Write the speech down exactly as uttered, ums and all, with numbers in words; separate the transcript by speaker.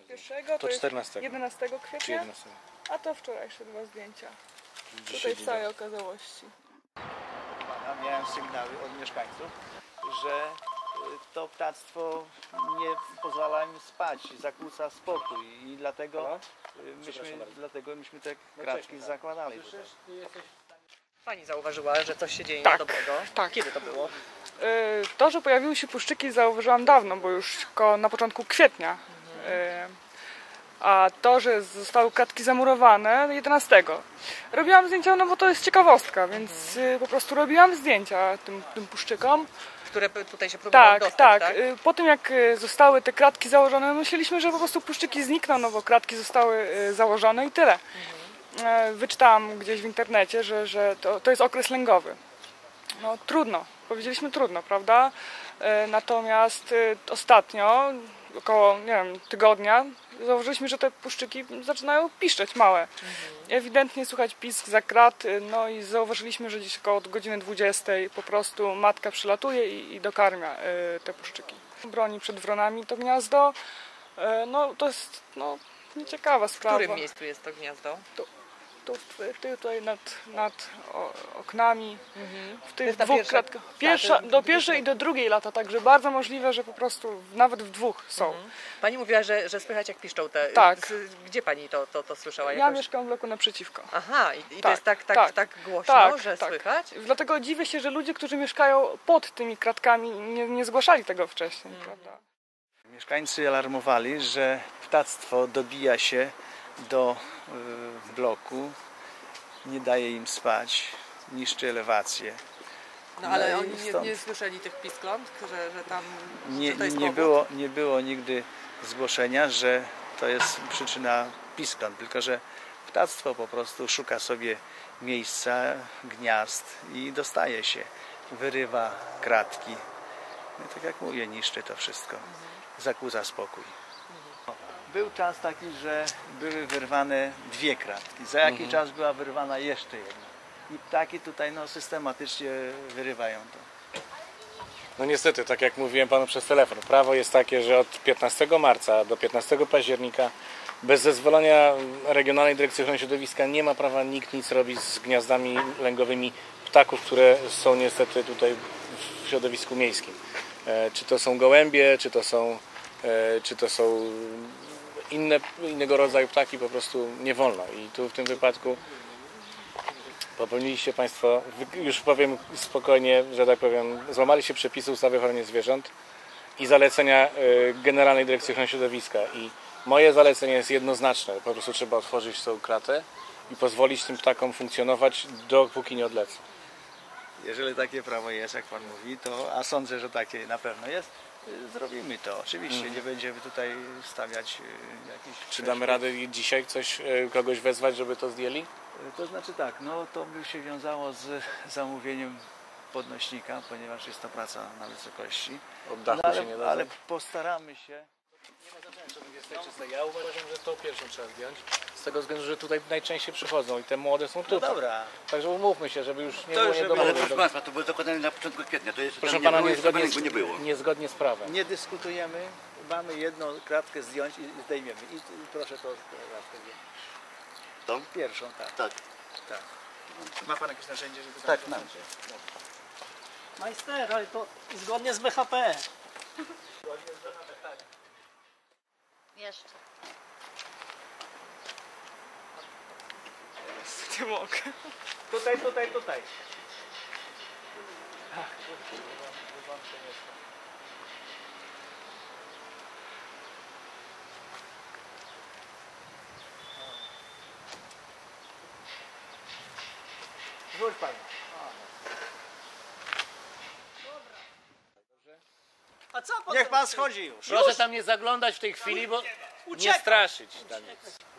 Speaker 1: pierwszego, to,
Speaker 2: to czternastego.
Speaker 1: jest jedenastego kwietnia,
Speaker 2: Czy jedenastego.
Speaker 1: a to wczorajsze dwa zdjęcia.
Speaker 2: Dzisiaj
Speaker 1: Tutaj w całej okazałości.
Speaker 3: Miałem sygnały od mieszkańców, że to ptactwo nie pozwala im spać, zakłóca spokój i dlatego myśmy, dlatego myśmy te kratki zakładali tutaj.
Speaker 4: Pani zauważyła, że coś się dzieje
Speaker 1: Tak,
Speaker 4: niedobrego.
Speaker 1: tak.
Speaker 4: Kiedy to było?
Speaker 1: Yy, To, że pojawiły się puszczyki, zauważyłam dawno, bo już koło, na początku kwietnia. Yy, A to, że zostały kratki zamurowane jedenastego. Robiłam zdjęcia, no bo to jest ciekawostka, więc yy, po prostu robiłam zdjęcia tym, tym puszczykom.
Speaker 4: Które tutaj się próbowały
Speaker 1: Tak,
Speaker 4: dostać,
Speaker 1: tak.
Speaker 4: tak?
Speaker 1: Yy, Po tym jak yy, zostały te kratki założone, myśleliśmy, że po prostu puszczyki znikną, no bo kratki zostały yy, założone i tyle. Yy, Wyczytałam gdzieś w internecie, że, że to, to jest okres lęgowy. No trudno, powiedzieliśmy trudno, prawda? E, Natomiast e, ostatnio, około, nie wiem, tygodnia, zauważyliśmy, że te puszczyki zaczynają piszczeć małe. Ewidentnie słychać pisk za krat, e, no i zauważyliśmy, że gdzieś około godziny dwudziestej po prostu matka przylatuje i, i dokarmia e, te puszczyki. Broni przed wronami to gniazdo, e, no to jest no, nieciekawa
Speaker 4: W
Speaker 1: sprawa.
Speaker 4: którym miejscu jest to gniazdo?
Speaker 1: Tu, tutaj nad, nad o, oknami, w tych
Speaker 4: jest ta
Speaker 1: dwóch
Speaker 4: pierwsza-
Speaker 1: kratkach.
Speaker 4: tak,
Speaker 1: Pierwsza,
Speaker 4: to-
Speaker 1: do pierwszej i do drugiej lata, także bardzo możliwe, że po prostu nawet w dwóch są.
Speaker 4: Pani mówiła, że, że słychać jak piszczą te...
Speaker 1: Tak.
Speaker 4: z- Gdzie pani to, to, to słyszała?
Speaker 1: Ja
Speaker 4: Jakoś?
Speaker 1: mieszkam w bloku naprzeciwko.
Speaker 4: Aha, i, i to
Speaker 1: Tak,
Speaker 4: jest tak, tak,
Speaker 1: tak,
Speaker 4: tak głośno,
Speaker 1: tak,
Speaker 4: że
Speaker 1: tak.
Speaker 4: słychać?
Speaker 1: Dlatego dziwię się, że ludzie, którzy mieszkają pod tymi kratkami, nie, nie zgłaszali tego wcześniej, prawda?
Speaker 3: Mieszkańcy alarmowali, że ptactwo dobija się do y, bloku, nie daje im spać, niszczy elewację.
Speaker 4: No ale
Speaker 3: No i
Speaker 4: oni nie,
Speaker 3: stąd.
Speaker 4: nie słyszeli tych piskląt, że, że tam...
Speaker 3: Nie,
Speaker 4: że to jest
Speaker 3: nie,
Speaker 4: powód?
Speaker 3: było, nie było nigdy zgłoszenia, że to jest przyczyna piskląt, tylko że ptactwo po prostu szuka sobie miejsca, gniazd i dostaje się, wyrywa kratki. No, tak jak mówię, niszczy to wszystko, zakłóca spokój. Był czas taki, że były wyrwane dwie kratki. Za jakiś
Speaker 2: Mhm.
Speaker 3: czas była wyrwana jeszcze jedna. I ptaki tutaj no, systematycznie wyrywają to.
Speaker 2: No niestety, tak jak mówiłem panu przez telefon, prawo jest takie, że od piętnastego marca do piętnastego października bez zezwolenia Regionalnej Dyrekcji Ochrony Środowiska nie ma prawa nikt nic robić z gniazdami lęgowymi ptaków, które są niestety tutaj w środowisku miejskim. E, Czy to są gołębie, czy to są, e, czy to są inne, innego rodzaju ptaki, po prostu nie wolno. I tu w tym wypadku popełniliście Państwo, już powiem spokojnie, że tak powiem, złamaliście przepisy ustawy o ochronie zwierząt i zalecenia y, Generalnej Dyrekcji Ochrony Środowiska. I moje zalecenie jest jednoznaczne. Po prostu trzeba otworzyć tą kratę i pozwolić tym ptakom funkcjonować, dopóki nie odlecą.
Speaker 3: Jeżeli takie prawo jest, jak Pan mówi, to, a sądzę, że takie na pewno jest, y, zrobimy to. Oczywiście
Speaker 2: Mhm.
Speaker 3: nie będziemy tutaj stawiać y, jakichś...
Speaker 2: Czy damy radę dzisiaj coś, y, kogoś wezwać, żeby to zdjęli?
Speaker 3: To znaczy tak, no to by się wiązało z zamówieniem podnośnika, ponieważ jest to praca na wysokości.
Speaker 2: Od dachu
Speaker 3: No,
Speaker 2: się nie
Speaker 3: ale,
Speaker 2: da.
Speaker 3: ale postaramy się.
Speaker 2: Ja uważam, że tą pierwszą trzeba zdjąć. Z tego względu, że tutaj najczęściej przychodzą i te młode są
Speaker 3: No
Speaker 2: tutaj.
Speaker 3: dobra.
Speaker 2: Także umówmy się, żeby już nie
Speaker 3: To
Speaker 2: było
Speaker 3: już żeby-
Speaker 2: niedomówień.
Speaker 5: Ale proszę Państwa, to było dokonane na początku kwietnia. To jest,
Speaker 2: Proszę
Speaker 5: tam
Speaker 2: pana,
Speaker 5: nie było,
Speaker 2: niezgodnie,
Speaker 5: jeszcze nie było.
Speaker 2: niezgodnie z prawem.
Speaker 3: Nie dyskutujemy, mamy jedną kratkę zdjąć i zdejmiemy. I, i proszę to kratkę zdjąć.
Speaker 5: To?
Speaker 3: Pierwszą, tak.
Speaker 5: Tak.
Speaker 3: tak. Ma Pan jakieś narzędzie, żeby...
Speaker 5: Tak, mam.
Speaker 6: Majster, ale to zgodnie z B H P.
Speaker 7: Jeszcze.
Speaker 1: Nie mogę.
Speaker 3: Tutaj, tutaj, tutaj. Rzuć Pan.
Speaker 6: A co potem?
Speaker 3: Niech Pan schodzi już.
Speaker 2: Proszę tam nie zaglądać w tej chwili, bo nie
Speaker 6: Uciekam.
Speaker 2: straszyć tam nic.